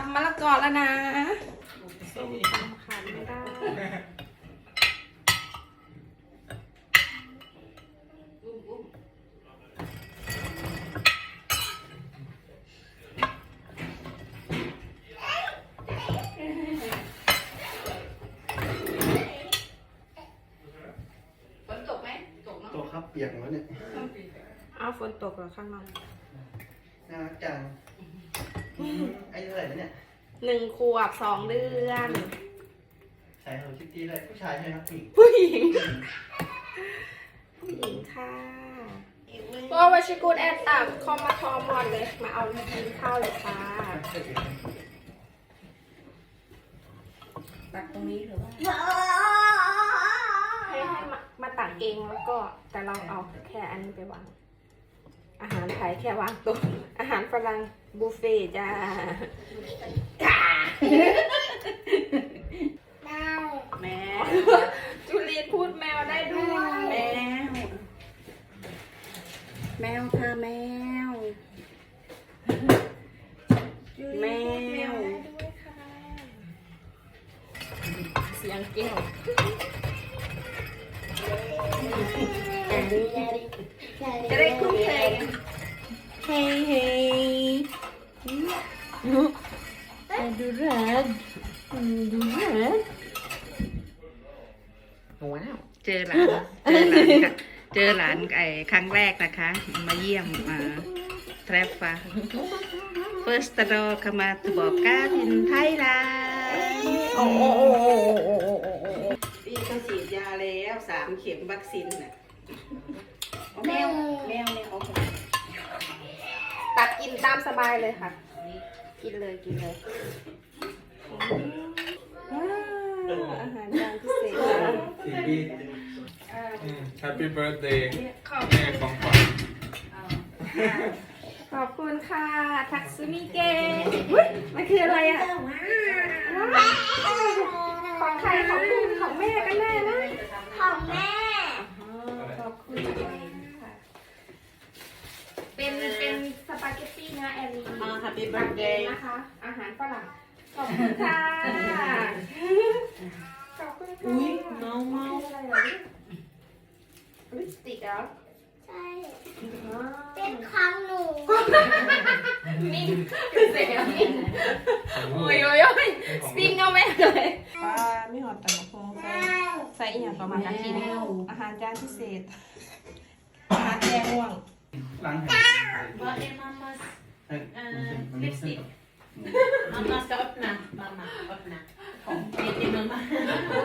ำมะละกอแล้วนะส้มตำขาดไม่ได้ฝนตกไหมตกเนาะตกครับเปียกหมดแล้วเนี่ยอ้าวฝนตกเหรอข้างนอกน่ารักจังอายุเท่าไหร่แล้วเนี่ย 1 ขวบ 2 เดือนใส่หัวคิตตี้เลยผู้ชายใช่ไหมครับผู้ผู้หญิงหญิง ผู้หญิงค่ะก็วัชิกูดแอดตักคอมมาทอมอนเลย มาเอากินข้าวเลยค่ะตักตรงนี้หรือว่าให้มาตักเองแล้วก็แต่เราเอาแค่อันนี้ไปวาง อาหารไทยแค่วางตัวอาหารฝรั่งบุฟเฟ่จ้าแมวจุลีนพูดแมวได้ด้วยแมวแมวค่ะแมวแมวด้วยค่ะเสียงแก้วจะได้คุ้นเคยเฮ้ยเฮ้ยดูรักดูรักว้าวเจอหลานเจอหลานครั้งแรกนะคะ มาเยี่ยมแทรฟฟ้า first door เข้ามาตบอกการินไทยลาโอ้โอ้โอ้โอ้โอ้โอ้พี่เขาฉีดยาแล้ว3 เข็มวัคซีนน่ะแมวแมวโอเคตักกินตามสบายเลยค่ะ กินเลยกินเลยอาหารจานพิเศษสี่ปี Happy birthday แม่ของขวัญขอบคุณค่ะ ทักซุมิเกะอุ๊ยมันคืออะไรอ่ะว้าวของใครของคุณของแม่กันแน่นะของแม่ขอบคุณค่ะเป็นสปาเกตตี้เนื้อแอลลี Happy ตักเอง birthday นะคะ อาหารฝรั่งขอบคุณค่ะขอบคุณค่ะอุ้ยเมาเมาอะไรเหรอลิปสติกเหรอใช่ เป็นของหนูนิ่งคือเสียงนิ่งโอ้ยโอ้ยโอ้ยสปิงเอาแม่เลยป้าไม่หอดแต่ละพงใส่อีกอย่างประมาณกินอาหารจานพิเศษอาหารแกงม่วงล้างแผล Vad är mammas lipstick Mamma ska öppna. Mamma, öppna. Kom, det är mamma.